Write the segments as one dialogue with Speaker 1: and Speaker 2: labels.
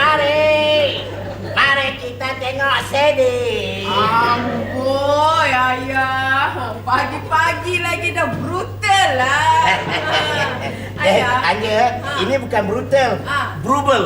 Speaker 1: Mari kita tengok CD.
Speaker 2: Amboi, ayah. Pagi-pagi lagi dah brutal lah.
Speaker 1: Anja, ini bukan brutal. Brubel.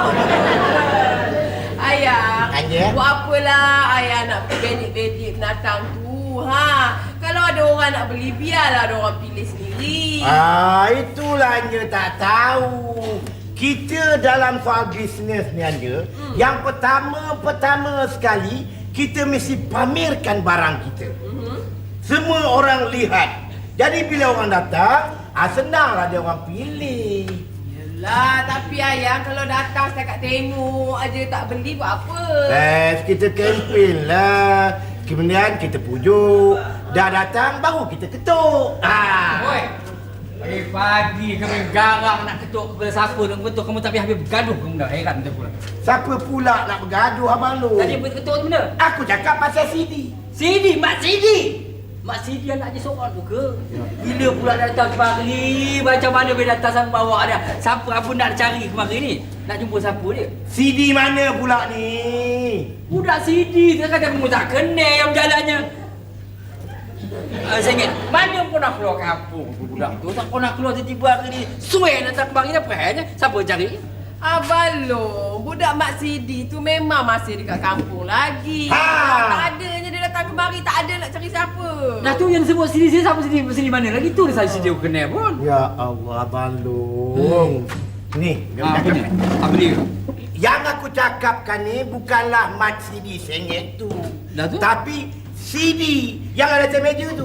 Speaker 2: Ayah,
Speaker 1: Anja?
Speaker 2: buat apalah ayah nak bedik-bedik binatang tu, Kalau ada orang nak beli, biarlah ada orang pilih sendiri.
Speaker 1: Itulah Anja tak tahu. Kita dalam soal bisnes ni Anja, yang pertama sekali, kita mesti pamerkan barang kita. Semua orang lihat. Jadi bila orang datang, senanglah dia orang pilih.
Speaker 2: Yelah, tapi ayah kalau datang setakat tengok aja tak beli buat apa?
Speaker 1: Kita kempen lah. Kemudian kita pujuk. Dah datang baru kita ketuk.
Speaker 3: Oi. Pagi kami garang nak ketuk kepada siapa nak ketuk, kamu tak habis bergaduh kamu dah. Heran betul pula.
Speaker 1: Siapa pula nak bergaduh abang lu?
Speaker 3: Tadi ketuk tu benda?
Speaker 1: Aku cakap pasal CD.
Speaker 3: CD, Mak CD. Mak CD anak je seorang tu ke? Bila pula datang kemari? Macam mana boleh datang sama bawa dia? Siapa apa nak cari kemari ni? Nak jumpa siapa dia?
Speaker 1: CD mana pula ni?
Speaker 3: Budak CD dia kata kamu tak kenal yang jalannya. Saya ingat, mana pun nak keluar kampung tu budak tu. Tak pernah keluar tiba-tiba hari ni. Suai datang kemari apa hanya? Siapa cari?
Speaker 2: Abang Long, budak Mak Sidi tu memang masih dekat kampung lagi. Tak adanya dia datang kemari, tak ada nak cari siapa.
Speaker 3: Nah tu yang sebut sini siapa sini mana lagi tu dia saya sini aku kenal pun.
Speaker 1: Ya Allah abang Long. Ni,
Speaker 3: Apa ni? Apa dia?
Speaker 1: yang aku cakapkan ni bukanlah mat CD sengit tu.
Speaker 3: Dah tu?
Speaker 1: Tapi CD yang ada atas meja tu.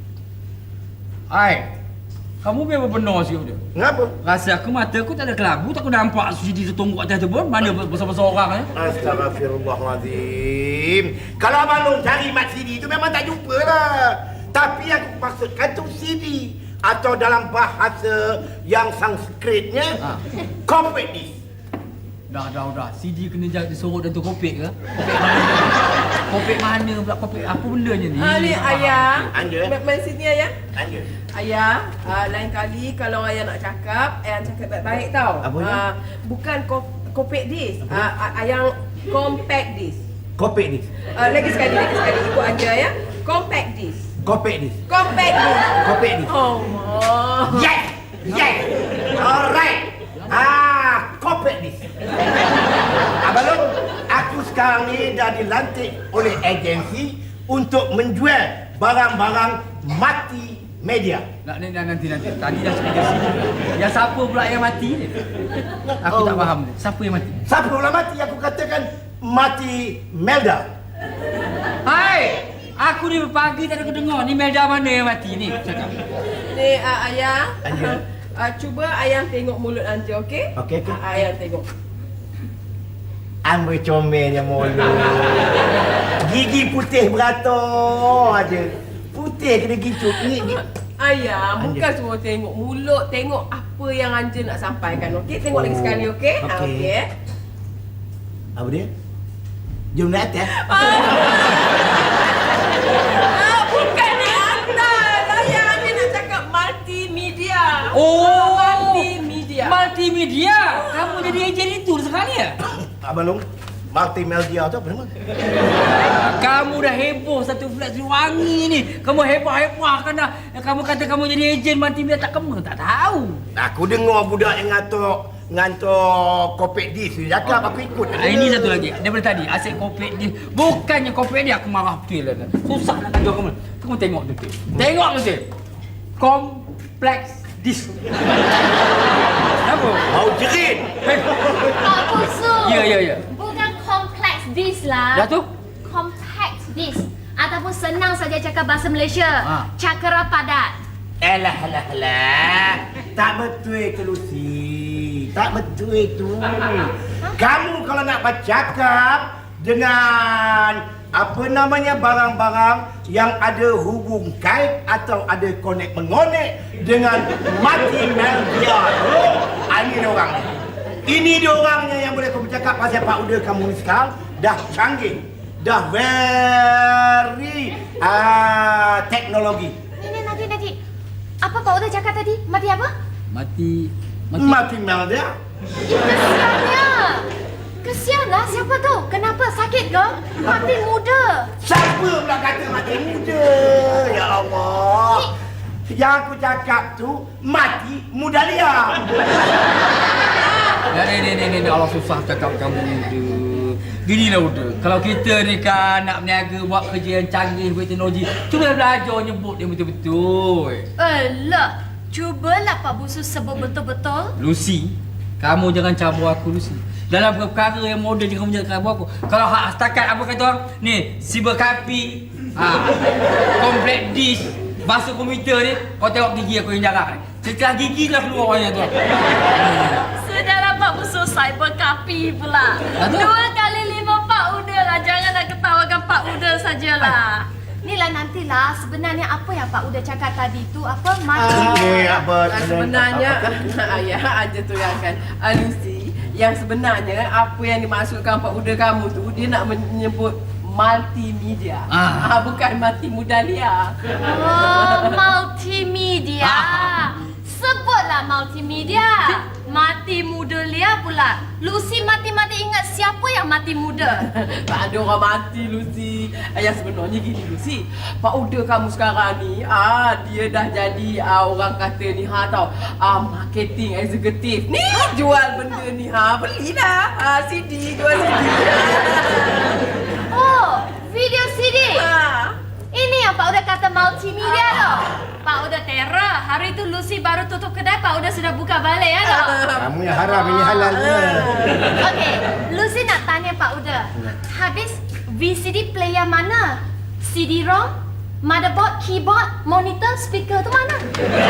Speaker 3: Ai. Kamu biar benar sikit dia.
Speaker 1: Kenapa?
Speaker 3: Rasa aku mata aku tak ada kelabu, tak aku nampak CD tu tonggok atas tu pun. Mana besar-besar orang
Speaker 1: Astaghfirullahalazim. Kalau abang Long cari mat CD tu memang tak jumpa lah. Tapi yang aku maksudkan tu CD. Atau dalam bahasa yang Sanskritnya, compact disc.
Speaker 3: Dah. CD kena disorot dalam tu kopek ke? Kopek mana pula? Kopek apa bendanya ni?
Speaker 2: Ni ayah.
Speaker 1: Anja.
Speaker 2: Main sini ayah.
Speaker 1: Anja.
Speaker 2: Ayah, lain kali kalau ayah nak cakap, ayah cakap baik-baik tau.
Speaker 1: Apa ni?
Speaker 2: Bukan compact disc. Ayah compact disc.
Speaker 1: Compact disc.
Speaker 2: Lagi sekali. Ikut aja ya. Compact disc.
Speaker 1: Compact disc.
Speaker 2: Compact disc.
Speaker 1: Compact disc.
Speaker 2: Allah.
Speaker 1: Yes. Alright. Compact disc. Abang Long, aku sekarang ni dah dilantik oleh agensi untuk menjual barang-barang mati media.
Speaker 3: Nanti. Tadi dah cakap sini. Yang siapa pula yang mati ni? Aku tak faham. Siapa yang mati?
Speaker 1: Siapa pula mati? Aku katakan mati Melda.
Speaker 3: Hai! Aku ni pagi tak ada kedengar. Ni Melda mana yang mati ni? Cakap.
Speaker 2: Ni ayah.
Speaker 1: Anja.
Speaker 2: Cuba ayah tengok mulut Anja, okey?
Speaker 1: Okey.
Speaker 2: Ayah tengok.
Speaker 1: Amboi comelnya mulut. Gigi putih beratur aja. Putih kena gitu. Ni.
Speaker 2: Ayah,
Speaker 1: Anja.
Speaker 2: bukan semua tengok mulut, tengok apa yang Anja nak sampaikan, okey? Tengok lagi sekali, okey?
Speaker 1: Okey.
Speaker 2: Okey.
Speaker 1: Apa dia? Jom naik atas.
Speaker 2: Bukan di atas. Ayah Anja nak cakap multimedia.
Speaker 3: Oh!
Speaker 2: Multimedia.
Speaker 3: Multimedia! Kamu jadi ejen itu sekali ya?
Speaker 1: Abang Long, multimedia tu apa nama?
Speaker 3: Kamu dah heboh satu flat wangi ni. Kamu heboh-heboh kan dah. Kamu kata kamu jadi ejen multimedia tak kamu tak tahu.
Speaker 1: Aku dengar budak yang ngantuk kopek dis tu cakap aku ikut.
Speaker 3: Ini satu lagi. Daripada tadi asyik kopek dia. Bukannya kopek dia aku marah betul lah. Susah nak tunjuk kamu. Kamu tengok betul. Tengok betul. Kompleks dis. Apa?
Speaker 1: Mau jerit.
Speaker 4: Pak Kusu.
Speaker 3: Ya.
Speaker 4: Bukan kompleks dis lah.
Speaker 3: Dah tu?
Speaker 4: Compact dis. Ataupun senang saja cakap bahasa Malaysia. Cakera padat.
Speaker 1: Alah. Tak betul itu Lucy. Tak betul itu. Kamu kalau nak bercakap dengan apa namanya barang-barang yang ada hubung kait atau ada konek mengonek dengan mati media tu, ini dia orang ni. Ini dia orangnya yang boleh kau bercakap pasal Pak Uda kamu ni sekarang dah canggih, dah very teknologi.
Speaker 4: Ini nanti. Apa Pak Uda cakap tadi? Mati apa?
Speaker 3: Mati
Speaker 1: Media.
Speaker 4: Itu siapnya. Apa tu? Kenapa? Sakit ke? Mati muda.
Speaker 1: Siapa pula kata mati muda? Ya Allah. Yang aku cakap tu mati muda liar.
Speaker 3: Ni Allah susah cakap kamu muda. Ginilah muda. Kalau kita ni kan nak berniaga buat kerja yang canggih berteknologi, cuba belajar nyebut dia betul-betul.
Speaker 4: Alah, cubalah Pak Busu sebut betul-betul.
Speaker 3: Lucy, kamu jangan cabur aku Lucy. Dalam perkara yang moden jangan menjaga cabur aku. Kalau hak setakat apa kata orang? Ni, siber kapi, komplek dish, basuh komputer ni, kau tengok gigi aku yang jarak ni. Setelah gigi dah keluar orangnya tu.
Speaker 4: Sudahlah Pak Busu, cyber kapi pula.
Speaker 3: Aduh.
Speaker 4: 2 kali 5 Pak Uda lah. Jangan nak ketawakan Pak Uda sajalah. Inilah nantilah sebenarnya apa yang Pak Uda cakap tadi tu apa
Speaker 1: Apa
Speaker 2: Sebenarnya ayah aja tu yang akan Lucy. Yang sebenarnya apa yang dimaksudkan Pak Uda kamu tu, dia nak menyebut multimedia. Bukan mati muda liar.
Speaker 4: Oh, multimedia. Sebutlah multimedia. Mati muda liar pula. Lucy mati-mati ingat siapa yang mati muda?
Speaker 2: Tak ada orang mati Lucy. Yang sebenarnya gini Lucy, Pak Uda kamu sekarang ni dia dah jadi orang kata ni tau, marketing executive. Ni jual benda ni belilah CD, jual CD.
Speaker 4: Oh, video CD. Ini yang Pak Uda kata multimedia tu. Pak Uda terror. Hari tu Lucy baru tutup kedai, Pak Uda sudah buka balik ya tu.
Speaker 1: Kamu yang haram, ini halal.
Speaker 4: Okey, Lucy nak tanya Pak Uda. Habis VCD player mana? CD-ROM, motherboard, keyboard, monitor, speaker tu mana?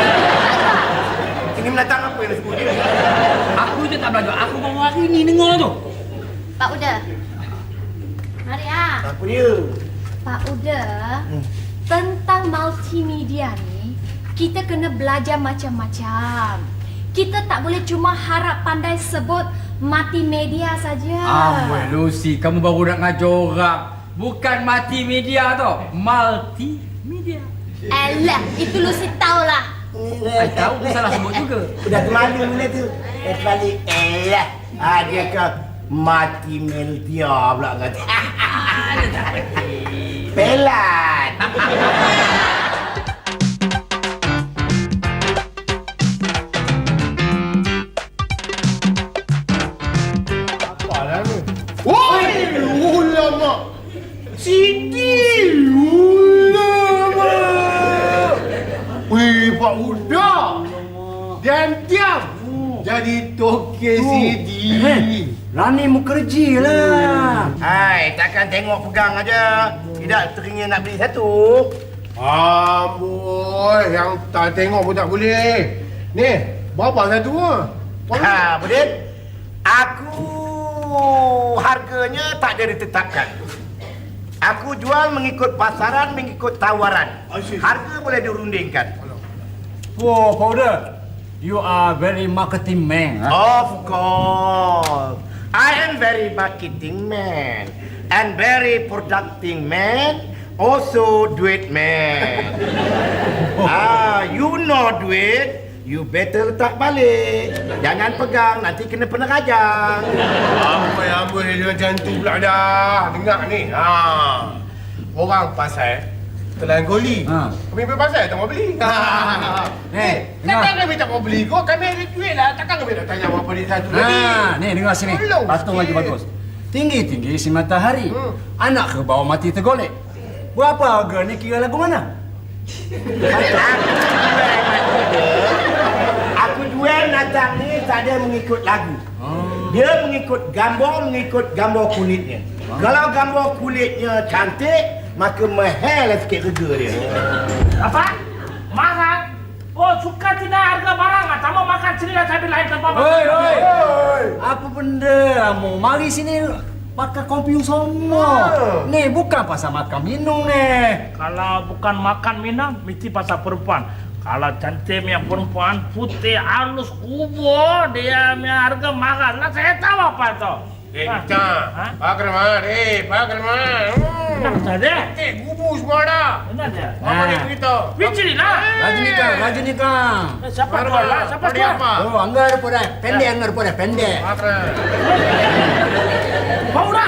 Speaker 1: Ini menatang apa yang disebut ni?
Speaker 3: Aku je tak belajar. Aku baru hari ni dengar tu.
Speaker 4: Pak Uda. Mari
Speaker 1: Apa dia?
Speaker 4: Pak Uda, tentang multimedia ni, kita kena belajar macam-macam. Kita tak boleh cuma harap pandai sebut mati media saja.
Speaker 3: Amboi Lucy, kamu baru nak ngajar orang. Bukan mati media tu, multimedia.
Speaker 4: Alah, itu Lucy tahulah.
Speaker 3: Tahu dia salah sebut juga.
Speaker 1: Udah kemalu mula tu. Balik dia ke mati media pula kata. Pelan.
Speaker 5: Apalah ni? Woi, ulama. Siti ulama. Wih, Pak Uda. Diam-diam. Jadi toke CD.
Speaker 1: Rani mu kerja lah. Hai, takkan tengok pegang aja. Tidak teringin nak beli satu.
Speaker 5: Amboi, yang tak tengok pun tak boleh. Ni, berapa satu ah?
Speaker 1: Budin. Aku harganya tak ada ditetapkan. Aku jual mengikut pasaran, mengikut tawaran. Harga boleh dirundingkan.
Speaker 3: Wow, Powder. You are very marketing man.
Speaker 1: Of course. I am very marketing man and very productive man, also duit man. You know duit, you better letak balik. Jangan pegang, nanti kena pengerajang.
Speaker 5: Amboi, dia macam tu pula dah. Dengar ni. Orang pasal telan goli. Kami pergi pasal tak mau beli. Takkan kami tak mau beli. Kau kami ada duit lah. Takkan kami nak tanya apa dia satu tadi.
Speaker 3: Ni dengar sini. Patung lagi bagus. Tinggi-tinggi si matahari. Anak ke bawah mati tergolek. Berapa harga ni kira lagu mana?
Speaker 1: Aku jual datang ni tak ada mengikut lagu. Dia mengikut gambar kulitnya. Kalau gambar kulitnya cantik, maka mahal sikit harga dia.
Speaker 6: Apa? Mahal? Oh, suka tidak harga barang? Tak mau makan sini lah, saya lain tempat.
Speaker 3: Hei! Apa benda kamu? Mari sini makan kopi semua. Ni bukan pasal makan minum ni.
Speaker 6: Kalau bukan makan minum, mesti pasal perempuan. Kalau cantik punya perempuan, putih, halus, kubur, dia punya harga mahal lah. Saya tahu apa itu.
Speaker 5: Kita. Pak Kerman. Pak Kerman.
Speaker 6: Enak saja.
Speaker 5: Gubu semua dah.
Speaker 6: Enak saja.
Speaker 5: Apa dia beritahu?
Speaker 6: Bicari lah.
Speaker 3: Rajinikan.
Speaker 6: Siapa jual lah? Siapa jual?
Speaker 3: Oh, anggar pun dah. Pendek.
Speaker 5: Pak Kerman.
Speaker 6: Pauda.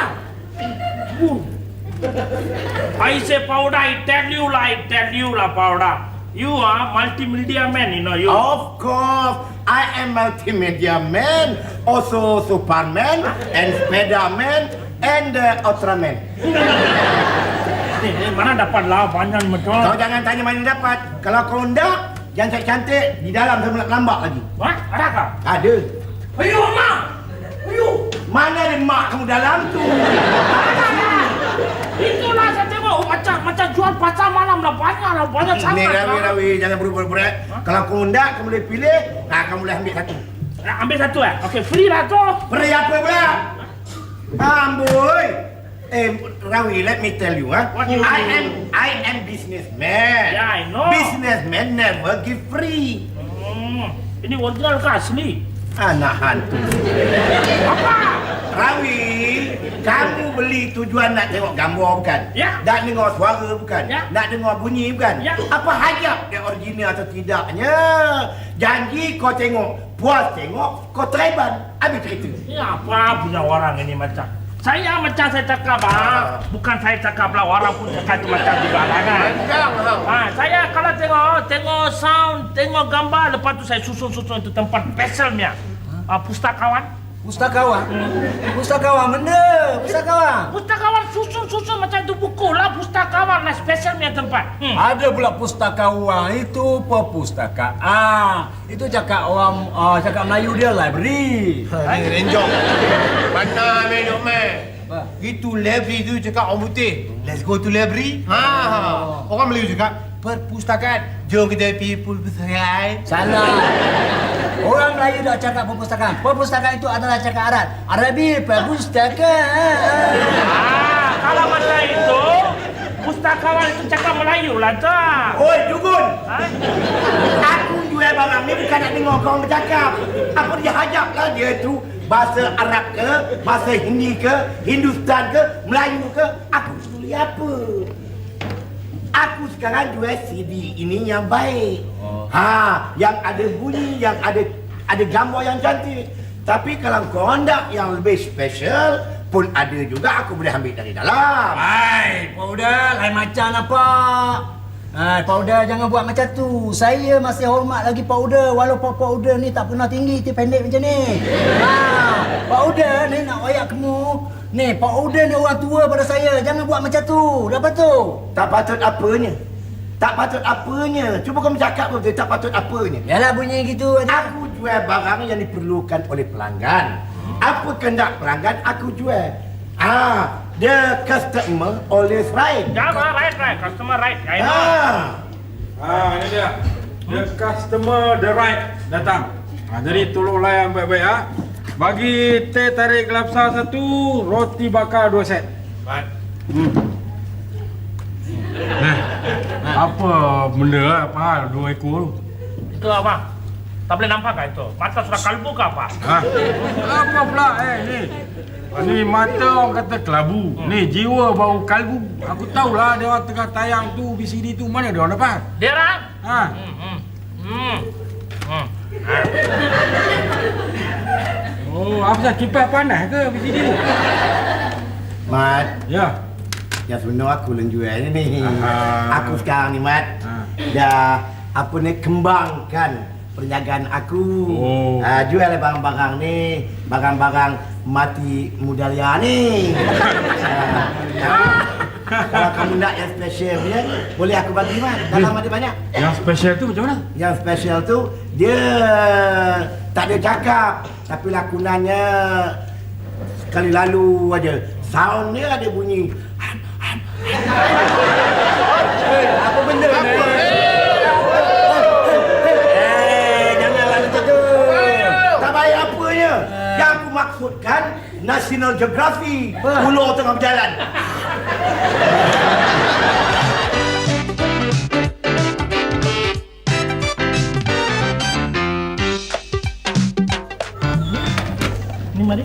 Speaker 6: I say Pauda, I tell you lah Pauda. You are multimedia man, you know you.
Speaker 1: Of course, I am multimedia man, also Superman, and Spiderman, and Ultraman.
Speaker 6: Mana dapat lah banyak betul.
Speaker 1: Kau jangan tanya mana dapat. Kalau kau enggak, yang cantik di dalam saya lambak lagi.
Speaker 6: Wah, ada kah?
Speaker 1: Ada.
Speaker 6: Ayo, mak. Ayo.
Speaker 1: Mana ada mak kamu dalam tu?
Speaker 6: Itulah saya tengok macam jual pasar malam lah banyak sangat.
Speaker 1: Ni Rawi, jangan berbual-bual. Kalau kau enggak, kamu boleh pilih. Kamu boleh ambil satu.
Speaker 6: Ambil satu Okey, free lah tu.
Speaker 1: Free apa pula? Amboi. Rawi, let me tell you,
Speaker 6: What you
Speaker 1: I am businessman.
Speaker 6: Yeah, I know.
Speaker 1: Businessman never give free.
Speaker 6: Ini original ke asli?
Speaker 1: Anak hantu.
Speaker 6: Apa?
Speaker 1: Rawi, kamu beli tujuan nak tengok gambar bukan?
Speaker 6: Ya.
Speaker 1: Nak dengar suara bukan?
Speaker 6: Ya.
Speaker 1: Nak dengar bunyi bukan?
Speaker 6: Ya.
Speaker 1: Apa hajab dia original atau tidaknya? Janji kau tengok, puas tengok, kau treban. Habis cerita.
Speaker 6: Ini apa punya orang ini macam? Saya cakap bukan saya cakap lah, orang pun cakap itu macam juga lah kan. Saya kalau tengok sound, tengok gambar, lepas tu saya susun itu tempat specialnya. Pustakawan.
Speaker 3: Pustakawan? Pustakawan benda?
Speaker 6: Pustakawan susun macam itu buku lah, pustakawan lah specialnya tempat.
Speaker 3: Ada pula pustakawan, itu perpustakaan. Itu cakap orang, cakap Melayu dia library.
Speaker 5: Ni renjong. Mana minum Itu library tu cakap orang putih. Let's go to library. Orang Melayu cakap perpustakaan. Jom kita pergi perpustakaan.
Speaker 3: Salah. Orang Melayu dah cakap perpustakaan. Perpustakaan itu adalah cakap Arab. Arabi perpustakaan.
Speaker 6: Kalau macam itu, pustakawan itu cakap Melayu lah tak?
Speaker 1: Oi, Dugun! Aku jual barang ni bukan nak dengar kau bercakap. Apa dia hajab lah dia tu. Bahasa Arab ke, bahasa Hindi ke, Hindustan ke, Melayu ke. Aku peduli apa? Aku sekarang jual CD ini yang baik. Yang ada bunyi, yang ada gambar yang cantik. Tapi kalau kau hendak yang lebih special pun ada juga, aku boleh ambil dari dalam.
Speaker 3: Hai, Pauda, lain macam nampak. Pauda jangan buat macam tu. Saya masih hormat lagi Pauda walaupun Pauda ni tak pernah tinggi, dia pendek macam ni. Pauda ni nak wayak kamu. Ni, Pauda ni orang tua pada saya. Jangan buat macam tu. Dah betul?
Speaker 1: Tak patut apanya. Tak patut apanya. Cuba kau bercakap betul, tak patut apanya.
Speaker 3: Yalah bunyi gitu.
Speaker 1: Aku jual barang yang diperlukan oleh pelanggan. Apa kehendak pelanggan, aku jual. The customer always right.
Speaker 6: Jangan right, customer right. I know.
Speaker 7: Ini dia. The customer the right datang. Jadi tolong layan baik-baik Bagi teh tarik gelapsa 1, roti bakar 2 set.
Speaker 6: Baik.
Speaker 7: Apa benda apa 2 ekor tu?
Speaker 6: Itu apa? Tak boleh nampak kan itu? Mata sudah kalbu ke apa?
Speaker 7: Apa pula ni? Ni mata orang kata kelabu. Ni jiwa bau kalbu. Aku tahulah dia orang tengah tayang tu VCD tu, mana dia orang dapat?
Speaker 6: Dia orang?
Speaker 7: Oh, apa sah kipas panas ke VCD tu?
Speaker 1: Mat,
Speaker 7: Ya.
Speaker 1: yang sebenar aku yang jual ni. Aku sekarang ni Mat, dah kembangkan perniagaan aku. Jual barang-barang ni, barang-barang mati mudalia ni. Kalau kamu nak yang special dia, boleh aku bagi Mat. Dalam ada banyak.
Speaker 7: Yang special tu macam mana?
Speaker 1: Yang special tu dia tak ada cakap, tapi lakonannya sekali lalu aja. Sound dia ada bunyi.
Speaker 3: Apa benda ni? Janganlah macam tu.
Speaker 1: Tak baik apanya. Yang aku maksudkan National Geography. Ular tengah berjalan.
Speaker 6: Ni mari.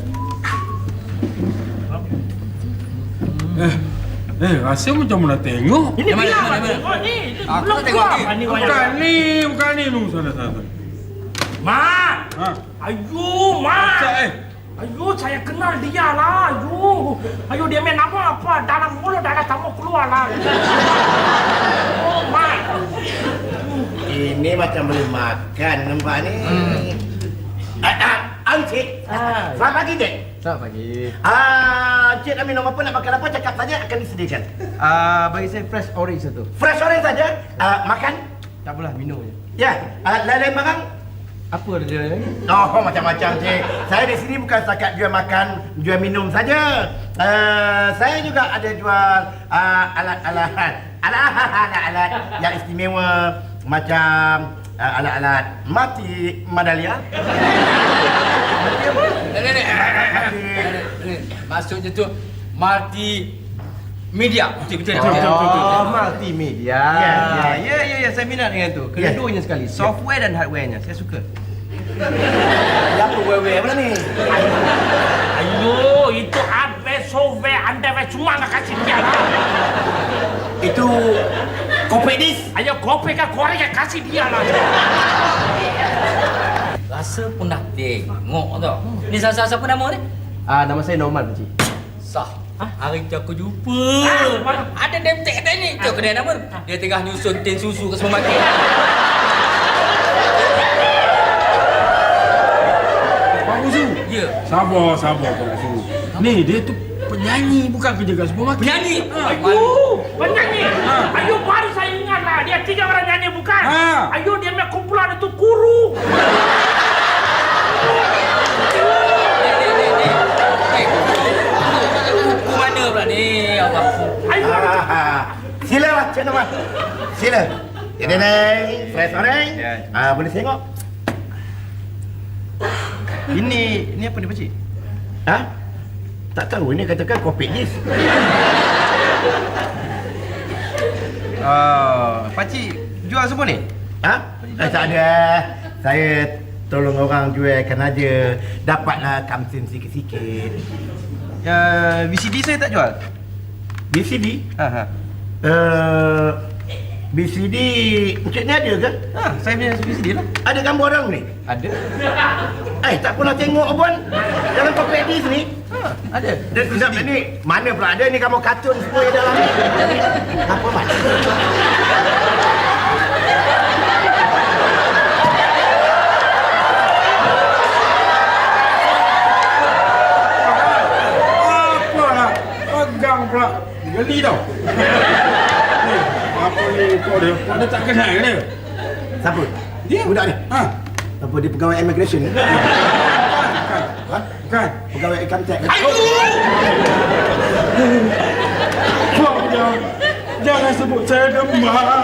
Speaker 7: Rasa macam mana tengok?
Speaker 6: Ini
Speaker 3: Mana,
Speaker 6: bilang
Speaker 3: mana, mana?
Speaker 6: tengok ni.
Speaker 3: Aku
Speaker 6: Belum
Speaker 3: tak tengok
Speaker 6: keluar.
Speaker 3: ni.
Speaker 6: Ni wayang.
Speaker 7: Bukan ni. Nung sana.
Speaker 6: Mak!
Speaker 7: Ha.
Speaker 6: Ayo, Mak! Ayo, saya kenal dia lah. Ayo dia main nama apa? Dalam mulut darah tamu keluar lah. Oh, Mak.
Speaker 1: Ini macam boleh makan nampak ni. Encik. Selamat pagi, Dek.
Speaker 8: Selamat pagi.
Speaker 1: Encik nak minum apa, nak makan apa, cakap saja akan disediakan.
Speaker 8: Bagi saya fresh orange satu.
Speaker 1: Fresh orange saja. Makan?
Speaker 8: Tak apalah, minum je.
Speaker 1: Ya. Lain-lain barang?
Speaker 8: Apa ada lagi?
Speaker 1: Oh, macam-macam, Cik. Saya di sini bukan setakat jual makan, jual minum saja. Saya juga ada jual alat-alat yang istimewa macam alat-alat mati Madalia.
Speaker 3: Maksudnya tu multi media. Betul.
Speaker 8: Multimedia. Ya, saya minat dengan tu. Kedua-duanya sekali. Software dan hardware-nya. Saya suka.
Speaker 1: Apa wewe pula ni?
Speaker 6: Ayo, itu hardware, software, underwear semua nak kasih dia lah.
Speaker 1: Itu kopedis.
Speaker 6: Ayo, kopi ke Korea kasih dia lah.
Speaker 3: Rasa pun nak tengok tau. Ni siapa nama ni?
Speaker 8: Nama saya Norman, Pakcik.
Speaker 3: Sah. Hari tu aku jumpa. Ada demtek kata ni. Cuk kedai nama. Dia tengah nyusun tin susu ke supermarket.
Speaker 7: Pak Busu.
Speaker 3: Ya.
Speaker 7: Sabar Pak Busu. Ni dia tu penyanyi bukan kerja kat supermarket.
Speaker 3: Penyanyi.
Speaker 6: Ayo, penyanyi. Ayo, baru saya ingat lah. Dia 3 orang nyanyi bukan? Ayo, dia punya kumpulan itu guru.
Speaker 3: Mana pula ni? Allah.
Speaker 1: Sila lah, Cik Norman. Sila. Ini fresh orange. Boleh tengok?
Speaker 8: Ini apa ni, Pakcik?
Speaker 1: Tak tahu, ini katakan kopedis.
Speaker 8: Pakcik jual semua ni?
Speaker 1: Tak ada. Saya tolong orang jualkan aja. Dapatlah kamsin sikit-sikit.
Speaker 8: VCD saya tak jual?
Speaker 1: BCD? BCD Encik ni ada ke?
Speaker 8: Saya punya VCD lah.
Speaker 1: Ada gambar orang ni?
Speaker 8: Ada.
Speaker 1: Tak pernah tengok Abang dalam kopedis ni.
Speaker 8: Ada.
Speaker 1: Sekejap ni, mana pula ada ni gambar kartun semua yang dalam ni. Apa Mat?
Speaker 7: Apalah. Pegang pula. Geli tau. Ni, apa ni kau dia? Kau dia tak kenal ke dia?
Speaker 1: Siapa?
Speaker 7: Dia.
Speaker 1: Budak ni? Apa dia pegawai immigration ni?
Speaker 7: Bukan.
Speaker 1: Pegawai income tax.
Speaker 7: Kau jangan sebut saya demam.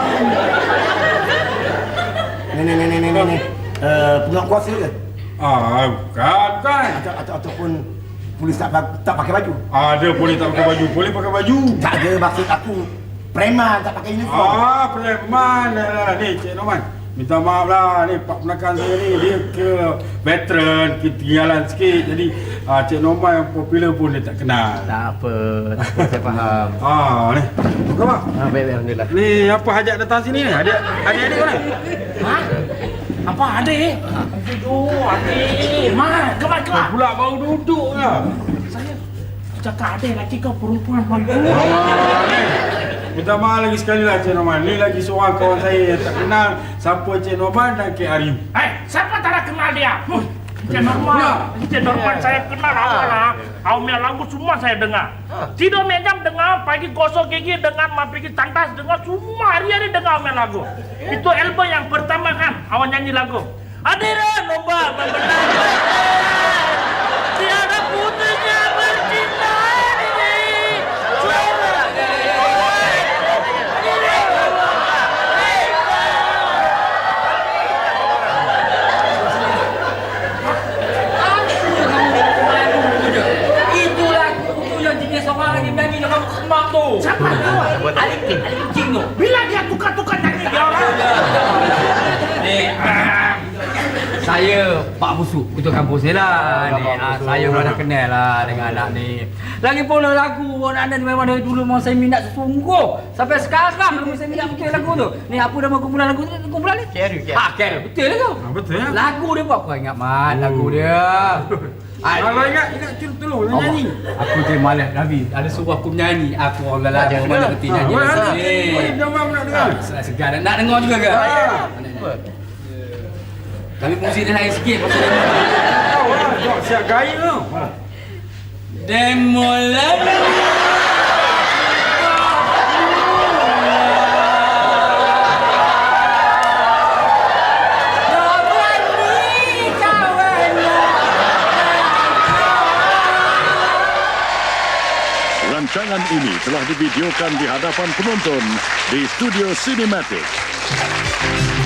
Speaker 1: Ni. Pengawal kuasa ke?
Speaker 7: Bukan.
Speaker 1: Ataupun polis tak pakai baju?
Speaker 7: Ada boleh tak pakai baju, boleh pakai baju.
Speaker 1: Tak ada, maksud aku preman tak pakai uniform.
Speaker 7: Preman lah. Ni Cik Norman, minta maaf lah. Ni pak penakan saya ni, dia ke veteran, ketinggalan sikit. Jadi Cik Norman yang popular pun dia tak kenal.
Speaker 8: Tak apa, saya faham.
Speaker 7: Ni. Buka mak.
Speaker 8: Baik, alhamdulillah.
Speaker 7: Ni apa hajat datang sini ni? Adik-adik mana?
Speaker 6: Apa adik? Aduh, adik. Mak, kemar.
Speaker 7: Pula baru duduk lah.
Speaker 6: Saya cakap adik lagi kau perempuan baru.
Speaker 7: Ni. Minta maaf lagi sekali lah Cik Norman. Ni lagi seorang kawan saya yang tak kenal siapa Cik Norman dan Cik Arif.
Speaker 6: Siapa tak nak kenal dia? Cik Norman saya kenal awal lah. Awalnya lagu semua saya dengar. Tidur mejam dengar, pagi gosok gigi dengar, mau pergi tandas dengar, semua hari-hari dengar awalnya lagu. Itu album yang pertama kan, awal nyanyi lagu. Hadirin lomba membenarkan tiada putusnya bercinta ini. Siapa tu?
Speaker 3: Ali King tu.
Speaker 6: Bila dia tukar-tukar nyanyi dia orang.
Speaker 3: Saya Pak Busuk, ketua kampus ni lah. Saya pun dah kenal lah dengan anak ni. Lagipun lagu anak ni memang dari dulu memang saya minat sungguh. Sampai sekarang memang saya minat betul lagu tu. Ni apa nama kumpulan lagu tu? Kumpulan ni?
Speaker 8: Carol.
Speaker 3: Carol. Betul lah tu.
Speaker 7: Betul ya?
Speaker 3: Lagu dia buat kau ingat Mat lagu dia.
Speaker 7: Kalau ingat tolong nyanyi.
Speaker 3: Aku je malas Nabi. Ada suruh aku menyanyi. Aku orang lelaki mana ngerti nyanyi.
Speaker 7: Jangan nak dengar.
Speaker 3: Segar nak dengar juga ke? Tapi muzik dia lain sikit pasal demo.
Speaker 7: Jom siap gaya tu.
Speaker 3: Demo lalu.
Speaker 9: Rancangan ini telah divideokan di hadapan penonton di Studio Cinematic.